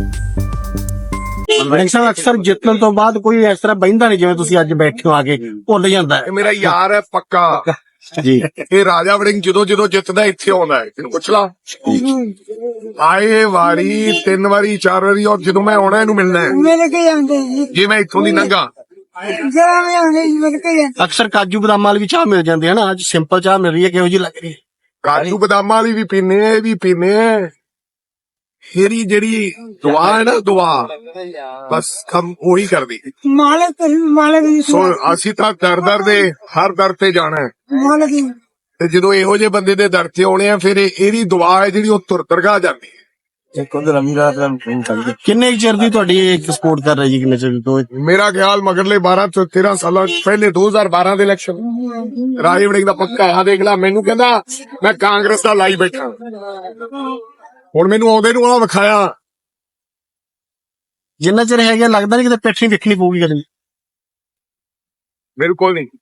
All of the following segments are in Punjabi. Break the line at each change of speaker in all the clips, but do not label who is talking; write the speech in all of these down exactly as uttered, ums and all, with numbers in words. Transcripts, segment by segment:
ਸਾਹਿਬ ਅਕਸਰ ਜਿੱਤਣ ਤੋਂ ਬਾਅਦ ਕੋਈ ਇਸ ਤਰ੍ਹਾਂ ਬਹਿੰਦਾ ਨਹੀਂ ਜਿਵੇਂ ਤੁਸੀਂ ਅੱਜ ਬੈਠੇ ਹੋ ਆ ਕੇ ਭੁੱਲ ਜਾਂਦਾ ਹੈ।
ਇਹ ਮੇਰਾ ਯਾਰ ਹੈ ਪੱਕਾ
ਜੀ।
ਇਹ ਰਾਜਾ ਵੜਿੰਗ ਜਦੋਂ ਜਦੋਂ ਜਿੱਤਦਾ ਇੱਥੇ ਆਉਂਦਾ ਹੈ, ਤੈਨੂੰ ਪੁੱਛ ਲਾ। ਆਏ ਵਾਰੀ ਤਿੰਨ ਵਾਰੀ ਚਾਰ ਵਾਰੀ, ਔਰ ਜਦੋਂ ਮੈਂ ਆਉਣਾ ਇਹਨੂੰ ਮਿਲਣਾ ਹੈ
ਮੇਰੇ ਕੇ ਜਾਂਦੇ ਜੀ
ਜੇ ਮੈਂ ਇੱਥੋਂ ਦੀ ਲੰਘਾ।
ਜਰਾ ਮੈਂ ਆਉਂਦੇ ਜੀ ਮੇਰੇ ਕੇ ਜਾਂਦੇ।
ਅਕਸਰ ਕਾਜੂ ਬਦਾਮ ਵਾਲੀ ਵੀ ਚਾਹ ਮਿਲ ਜਾਂਦੀ ਹੈ ਨਾ, ਅੱਜ ਸਿੰਪਲ ਚਾਹ ਮਿਲ ਰਹੀ ਹੈ, ਕਿਹੋ ਜਿਹੀ ਲੱਗ ਰਹੀ ਹੈ?
ਕਾਜੂ ਬਦਾਮਾਂ ਵਾਲੀ ਵੀ ਪੀਨੇ, ਇਹ ਵੀ ਪੀਨੇ। ਮੇਰੀ ਜਿਹੜੀ ਦੁਆ ਹੈ ਨਾ, ਦੁਆ ਬਸ ਕੰਮ ਉਹੀ ਕਰਦੀ।
ਮਾਲਕ ਮਾਲਕ ਦੀ
ਸੋ ਅਸੀਂ ਤਾਂ ਦਰ ਦਰ ਦੇ ਹਰ ਦਰ ਤੇ ਜਾਣਾ ਹੈ,
ਮਾਲਕ ਦੀ
ਤੇ ਜਦੋਂ ਇਹੋ ਜਿਹੇ ਬੰਦੇ ਦੇ ਦਰ ਤੇ ਆਉਣੇ ਆ, ਫਿਰ ਇਹ- ਇਹਦੀ ਦੁਆ ਹੈ ਜਿਹੜੀ ਉਹ ਤੁਰ ਤਰਗਾ ਜਾਂਦੀ ਹੈ।
ਕਿੰਨੇ ਕੁ ਚਿਰ ਦੀ ਤੁਹਾਡੀ ਇੱਕ ਸਪੋਰਟ ਕਰ ਰਹੀ ਜੀ? ਕਿੰਨੇ ਚਿਰ ਤੋਂ?
ਮੇਰਾ ਖਿਆਲ ਮਗਰਲੇ ਬਾਰਾਂ ਤੋਂ ਤੇਰਾਂ ਸਾਲਾਂ ਪਹਿਲੇ ਦੋ ਹਜ਼ਾਰ ਬਾਰਾਂ ਦੇ ਇਲੈਕਸ਼ਨ ਰਾਜਾ ਵੜਿੰਗ ਦਾ ਪੱਕਾ ਆ। ਦੇਖ ਲਾ, ਮੈਨੂੰ ਕਹਿੰਦਾ ਮੈਂ ਕਾਂਗਰਸ ਦਾ ਲਾਈ ਬੈਠਾ, ਹੁਣ ਮੈਨੂੰ ਆਉਂਦੇ ਨੂੰ ਆ ਵਿਖਾਇਆ।
ਜਿੰਨਾ ਚਿਰ ਹੈਗਾ ਲੱਗਦਾ ਨਹੀਂ ਕਿਤੇ ਪਿੱਠ ਨਹੀਂ ਵੇਖਣੀ ਪਊਗੀ ਕਦੇ।
ਬਿਲਕੁਲ ਨਹੀਂ।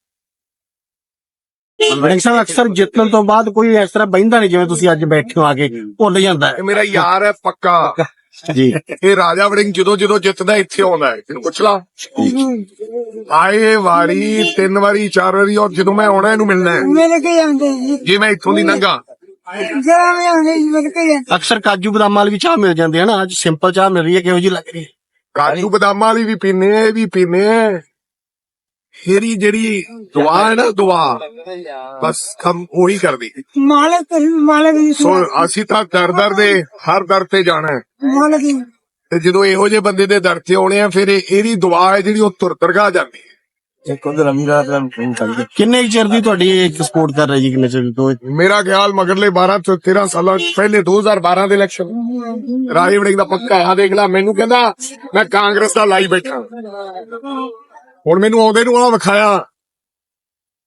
ਸਾਹਿਬ ਅਕਸਰ ਜਿੱਤਣ ਤੋਂ ਬਾਅਦ ਕੋਈ ਇਸ ਤਰ੍ਹਾਂ ਬਹਿੰਦਾ ਨਹੀਂ ਜਿਵੇਂ ਤੁਸੀਂ ਅੱਜ ਬੈਠੇ ਹੋ ਆ ਕੇ ਭੁੱਲ ਜਾਂਦਾ ਹੈ।
ਇਹ ਮੇਰਾ ਯਾਰ ਹੈ ਪੱਕਾ
ਜੀ।
ਇਹ ਰਾਜਾ ਵੜਿੰਗ ਜਦੋਂ ਜਦੋਂ ਜਿੱਤਦਾ ਇੱਥੇ ਆਉਂਦਾ ਹੈ, ਤੈਨੂੰ ਪੁੱਛ ਲਾ। ਆਏ ਵਾਰੀ ਤਿੰਨ ਵਾਰੀ ਚਾਰ ਵਾਰੀ, ਔਰ ਜਦੋਂ ਮੈਂ ਆਉਣਾ ਇਹਨੂੰ ਮਿਲਣਾ ਹੈ
ਮੇਰੇ ਕੇ ਜਾਂਦੇ ਜੀ
ਜੇ ਮੈਂ ਇੱਥੋਂ ਦੀ ਲੰਘਾ।
ਜਰਾ ਮੈਂ ਆਉਂਦੇ ਜੀ ਮੇਰੇ ਕੇ ਜਾਂਦੇ।
ਅਕਸਰ ਕਾਜੂ ਬਦਾਮ ਵਾਲੀ ਵੀ ਚਾਹ ਮਿਲ ਜਾਂਦੀ ਹੈ ਨਾ, ਅੱਜ ਸਿੰਪਲ ਚਾਹ ਮਿਲ ਰਹੀ ਹੈ, ਕਿਹੋ ਜਿਹੀ ਲੱਗ ਰਹੀ ਹੈ?
ਕਾਜੂ ਬਦਾਮਾਂ ਵਾਲੀ ਵੀ ਪੀਨੇ, ਇਹ ਵੀ ਪੀਨੇ। ਮੇਰੀ ਜਿਹੜੀ ਦੁਆ ਹੈ ਨਾ, ਦੁਆ ਬਸ ਕੰਮ ਉਹੀ ਕਰਦੀ।
ਮਾਲਕ ਮਾਲਕ ਦੀ
ਸੋ ਅਸੀਂ ਤਾਂ ਦਰ ਦਰ ਦੇ ਹਰ ਦਰ ਤੇ ਜਾਣਾ ਹੈ,
ਮਾਲਕ ਦੀ
ਤੇ ਜਦੋਂ ਇਹੋ ਜਿਹੇ ਬੰਦੇ ਦੇ ਦਰ ਤੇ ਆਉਣੇ ਆ, ਫਿਰ ਇਹ- ਇਹਦੀ ਦੁਆ ਹੈ ਜਿਹੜੀ ਉਹ ਤੁਰ ਤਰਗਾ ਜਾਂਦੀ ਹੈ।
ਕਿੰਨੇ ਕੁ ਚਿਰ ਦੀ ਤੁਹਾਡੀ ਇੱਕ ਸਪੋਰਟ ਕਰ ਰਹੀ ਜੀ? ਕਿੰਨੇ ਚਿਰ ਤੋਂ?
ਮੇਰਾ ਖਿਆਲ ਮਗਰਲੇ ਬਾਰਾਂ ਤੋਂ ਤੇਰਾਂ ਸਾਲਾਂ ਪਹਿਲੇ ਦੋ ਹਜ਼ਾਰ ਬਾਰਾਂ ਦੇ ਇਲੈਕਸ਼ਨ ਰਾਜਾ ਵੜਿੰਗ ਦਾ ਪੱਕਾ ਆ। ਦੇਖ ਲਾ, ਮੈਨੂੰ ਕਹਿੰਦਾ ਮੈਂ ਕਾਂਗਰਸ ਦਾ ਲਾਈ ਬੈਠਾ, ਹੁਣ ਮੈਨੂੰ ਆਉਂਦੇ ਨੂੰ ਆ ਵਿਖਾਇਆ।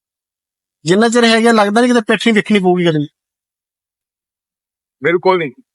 ਜਿੰਨਾ ਚਿਰ ਹੈਗਾ ਲੱਗਦਾ ਨਹੀਂ ਕਿਤੇ ਪਿੱਠ ਨਹੀਂ ਵੇਖਣੀ ਪਊਗੀ ਕਦੇ।
ਬਿਲਕੁਲ ਨਹੀਂ।